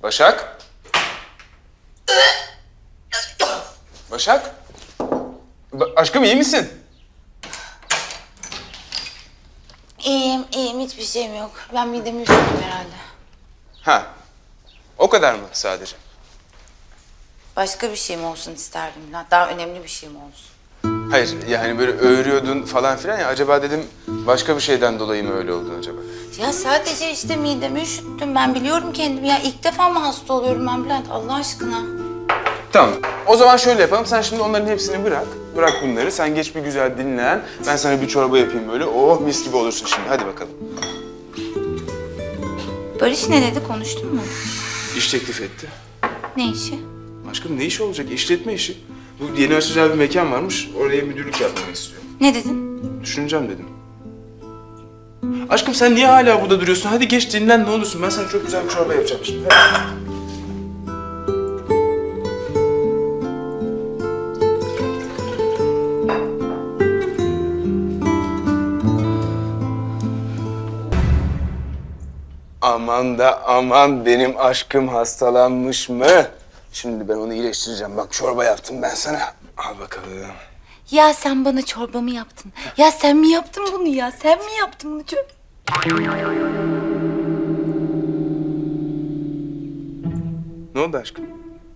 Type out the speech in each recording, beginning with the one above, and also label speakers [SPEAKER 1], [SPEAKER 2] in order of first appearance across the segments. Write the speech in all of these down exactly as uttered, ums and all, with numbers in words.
[SPEAKER 1] Başak? Başak? Ba aşkım iyi misin?
[SPEAKER 2] İyiyim, iyiyim. Hiçbir şeyim yok. Ben midemi üşüttüm herhalde.
[SPEAKER 1] Ha. O kadar mı sadece?
[SPEAKER 2] Başka bir şeyim olsun isterdim. Daha önemli bir şeyim olsun.
[SPEAKER 1] Hayır yani böyle öğürüyordun falan filan ya. Acaba dedim başka bir şeyden dolayı mı öyle oldun acaba?
[SPEAKER 2] Ya sadece işte midemi üşüttüm. Ben biliyorum kendimi. Ya ilk defa mı hasta oluyorum ben Bülent? Allah aşkına.
[SPEAKER 1] Tamam. O zaman şöyle yapalım. Sen şimdi onların hepsini bırak. Bırak bunları. Sen geç bir güzel dinlen. Ben sana bir çorba yapayım böyle. Oh mis gibi olursun şimdi. Hadi bakalım.
[SPEAKER 2] Barış ne dedi? Konuştun mu?
[SPEAKER 1] İş teklif etti.
[SPEAKER 2] Ne işi?
[SPEAKER 1] Aşkım ne iş olacak? İşletme işi. Bu yeni açacağı bir mekan varmış. Oraya müdürlük yapmak istiyor.
[SPEAKER 2] Ne dedin?
[SPEAKER 1] Düşüneceğim dedim. Aşkım sen niye hala burada duruyorsun? Hadi geç dinlen ne olursun. Ben sana çok güzel bir çorba yapacağım şimdi. Hadi. Aman da aman benim aşkım hastalanmış mı? Şimdi ben onu iyileştireceğim. Bak çorba yaptım ben sana. Al bakalım.
[SPEAKER 2] Ya sen bana çorbamı yaptın. Ya sen mi yaptın bunu ya? Sen mi yaptın bunu? Çok...
[SPEAKER 1] Ne oldu aşkım?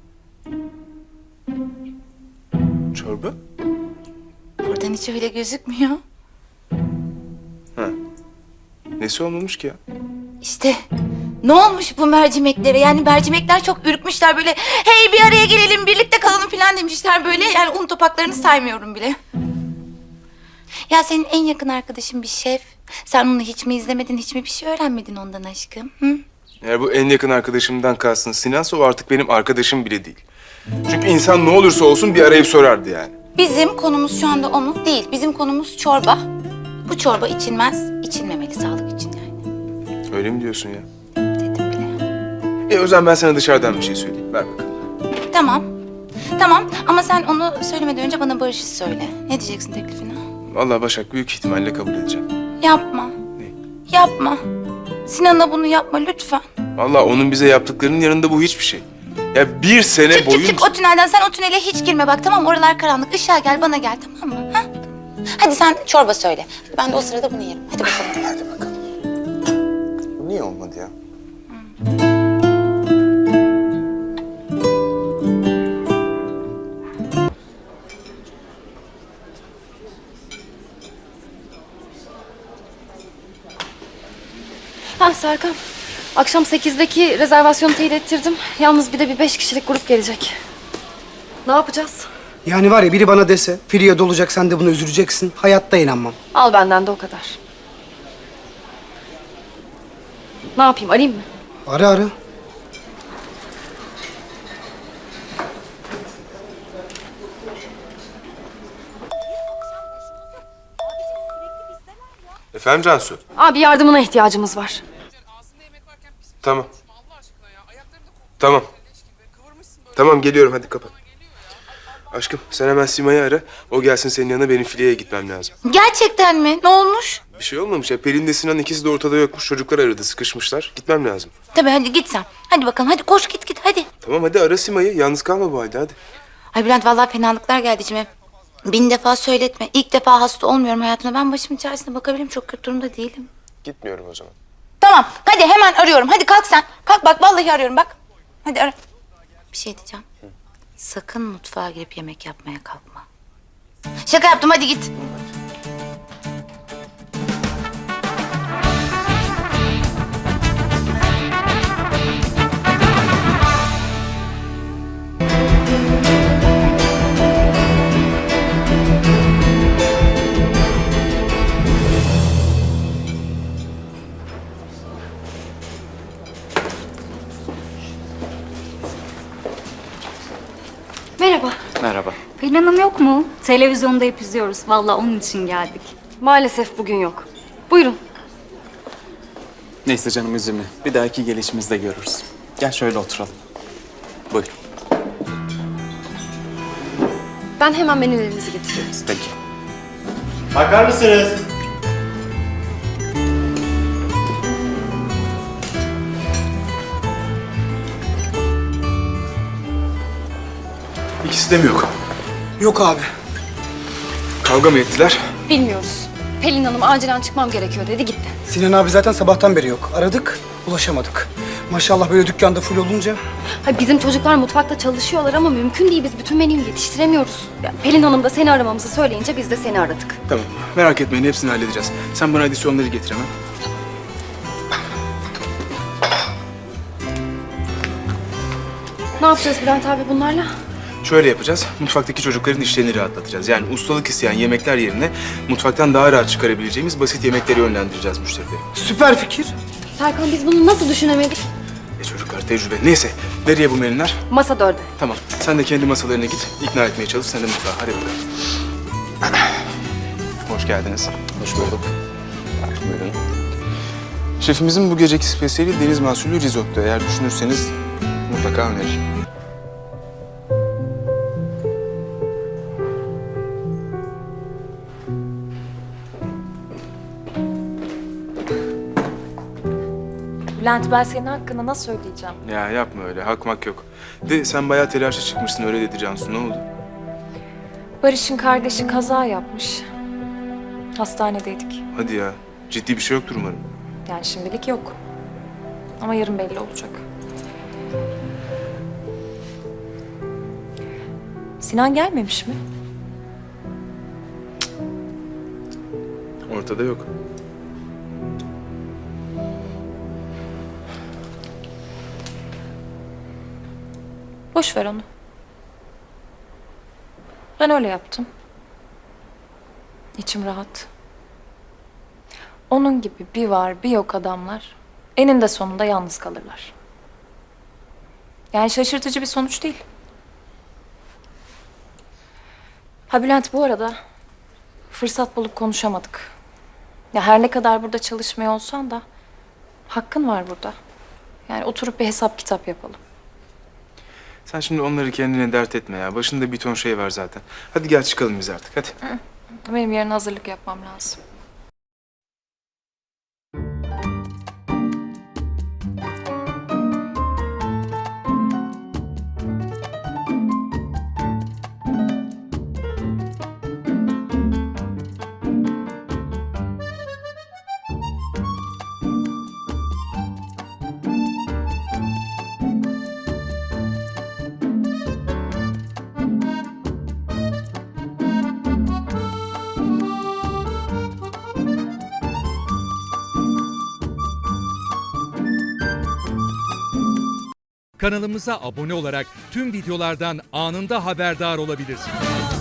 [SPEAKER 1] Çorba?
[SPEAKER 2] Buradan hiç öyle gözükmüyor.
[SPEAKER 1] Ha. Nesi olmamış ki ya?
[SPEAKER 2] İşte ne olmuş bu mercimeklere? Yani mercimekler çok ürkmüşler böyle. Hey bir araya gelelim, birlikte kalalım falan demişler böyle. Yani un topaklarını saymıyorum bile. Ya senin en yakın arkadaşın bir şef. Sen onu hiç mi izlemedin, hiç mi bir şey öğrenmedin ondan aşkım? Hı?
[SPEAKER 1] Eğer bu en yakın arkadaşımdan kalsın Sinan'sa o artık benim arkadaşım bile değil. Çünkü insan ne olursa olsun bir arayıp sorardı yani.
[SPEAKER 2] Bizim konumuz şu anda o mu? Değil. Bizim konumuz çorba. Bu çorba içilmez, içilmemeli sağlık için yani.
[SPEAKER 1] Öyle mi diyorsun ya?
[SPEAKER 2] Dedim bile.
[SPEAKER 1] E o zaman ben sana dışarıdan bir şey söyleyeyim. Ver bakalım.
[SPEAKER 2] Tamam. Tamam ama sen onu söylemeden önce bana Barış'ı söyle. Ne diyeceksin teklifine?
[SPEAKER 1] Vallahi Başak büyük ihtimalle kabul edeceğim.
[SPEAKER 2] Yapma.
[SPEAKER 1] Ne?
[SPEAKER 2] Yapma. Sinan'a bunu yapma lütfen.
[SPEAKER 1] Vallahi onun bize yaptıklarının yanında bu hiçbir şey. Ya bir sene
[SPEAKER 2] Çık
[SPEAKER 1] boyunca...
[SPEAKER 2] çık çık o tünelden. Sen o tünele hiç girme bak tamam mı? Oralar karanlık. Işığa gel bana gel tamam mı? Ha? Hadi sen çorba söyle. Hadi ben de o sırada bunu yerim. Hadi bakalım.
[SPEAKER 1] Hadi bakalım. Bu niye olmadı ya?
[SPEAKER 3] Ha Serkan, akşam sekizdeki rezervasyonu teyit ettirdim. Yalnız bir de bir beş kişilik grup gelecek. Ne yapacağız?
[SPEAKER 4] Yani var ya biri bana dese, Firiye dolacak sen de buna üzüleceksin. Hayatta inanmam.
[SPEAKER 3] Al benden de o kadar. Ne yapayım, arayayım mı?
[SPEAKER 4] Ara ara.
[SPEAKER 1] Efendim Cansu?
[SPEAKER 3] Abi yardımına ihtiyacımız var.
[SPEAKER 1] Tamam. Tamam. Tamam geliyorum hadi kapat. Aşkım sen hemen Sima'yı ara. O gelsin senin yanına benim filiyeye gitmem lazım.
[SPEAKER 2] Gerçekten mi? Ne olmuş?
[SPEAKER 1] Bir şey olmamış ya. Pelin de Sinan ikisi de ortada yokmuş. Çocuklar aradı sıkışmışlar. Gitmem lazım.
[SPEAKER 2] Tabii hadi git sen. Hadi bakalım hadi koş git git hadi.
[SPEAKER 1] Tamam hadi ara Sima'yı. Yalnız kalma bu halde hadi.
[SPEAKER 2] Ay Bülent vallahi fenalıklar geldi içime. Bin defa söyletme. İlk defa hasta olmuyorum hayatımda. Ben başımın çaresine bakabilirim. Çok kötü durumda değilim.
[SPEAKER 1] Gitmiyorum o zaman.
[SPEAKER 2] Tamam hadi hemen arıyorum. Hadi kalk sen. Kalk bak vallahi arıyorum bak. Hadi ara. Bir şey diyeceğim. Sakın mutfağa girip yemek yapmaya kalkma. Şaka yaptım hadi git.
[SPEAKER 3] Merhaba.
[SPEAKER 5] Merhaba.
[SPEAKER 6] Pelin Hanım yok mu? Televizyonda hep izliyoruz. Vallahi onun için geldik.
[SPEAKER 3] Maalesef bugün yok. Buyurun.
[SPEAKER 5] Neyse canım üzülme. Bir dahaki gelişimizde görürüz. Gel şöyle oturalım. Buyur.
[SPEAKER 3] Ben hemen menülerinizi getiriyorum.
[SPEAKER 5] Peki.
[SPEAKER 7] Bakar mısınız?
[SPEAKER 1] Bizde mi yok?
[SPEAKER 4] Yok abi.
[SPEAKER 1] Kavga mı ettiler?
[SPEAKER 3] Bilmiyoruz. Pelin Hanım acilen çıkmam gerekiyor dedi gitti.
[SPEAKER 4] Sinan abi zaten sabahtan beri yok. Aradık, ulaşamadık. Maşallah böyle dükkanda full olunca.
[SPEAKER 3] Ha, bizim çocuklar mutfakta çalışıyorlar ama mümkün değil. Biz bütün menüyü yetiştiremiyoruz. Yani Pelin Hanım da seni aramamızı söyleyince biz de seni aradık.
[SPEAKER 1] Tamam. Merak etmeyin, hepsini halledeceğiz. Sen bana adisyonları getir hemen.
[SPEAKER 3] Ne yapacağız Bülent abi bunlarla?
[SPEAKER 1] Şöyle yapacağız. Mutfaktaki çocukların işlerini rahatlatacağız. Yani ustalık isteyen yemekler yerine mutfaktan daha rahat çıkarabileceğimiz basit yemekleri yönlendireceğiz müşterileri.
[SPEAKER 4] Süper fikir.
[SPEAKER 3] Serkan biz bunu nasıl düşünemedik?
[SPEAKER 1] E çocuklar tecrübe. Neyse. Nereye bu menüler?
[SPEAKER 3] Masa dörde.
[SPEAKER 1] Tamam. Sen de kendi masalarına git. İkna etmeye çalış. Sen de mutfağa. Hadi bakalım. Hoş geldiniz. Hoş bulduk. Buyurun. Şefimizin bu geceki spesiyeli deniz mahsulü risotto. Eğer düşünürseniz mutlaka öneririm.
[SPEAKER 8] Bülent ben senin hakkında nasıl ödeyeceğim?
[SPEAKER 1] Ya yapma öyle. Hakmak yok. De sen bayağı telaşa çıkmışsın. Öyle dedi Cansu. Ne oldu?
[SPEAKER 8] Barış'ın kardeşi kaza yapmış. Hastanedeydik.
[SPEAKER 1] Hadi ya. Ciddi bir şey yoktur umarım.
[SPEAKER 8] Yani şimdilik yok. Ama yarın belli olacak. Sinan gelmemiş mi?
[SPEAKER 1] Ortada yok.
[SPEAKER 8] Boş ver onu. Ben öyle yaptım. İçim rahat. Onun gibi bir var bir yok adamlar eninde sonunda yalnız kalırlar. Yani şaşırtıcı bir sonuç değil. Ha Bülent bu arada fırsat bulup konuşamadık. Ya her ne kadar burada çalışmıyor olsan da hakkın var burada. Yani oturup bir hesap kitap yapalım.
[SPEAKER 1] Sen şimdi onları kendine dert etme ya. Başında bir ton şey var zaten. Hadi gel çıkalım biz artık. Hadi.
[SPEAKER 8] Benim yarın hazırlık yapmam lazım.
[SPEAKER 9] Kanalımıza abone olarak tüm videolardan anında haberdar olabilirsiniz.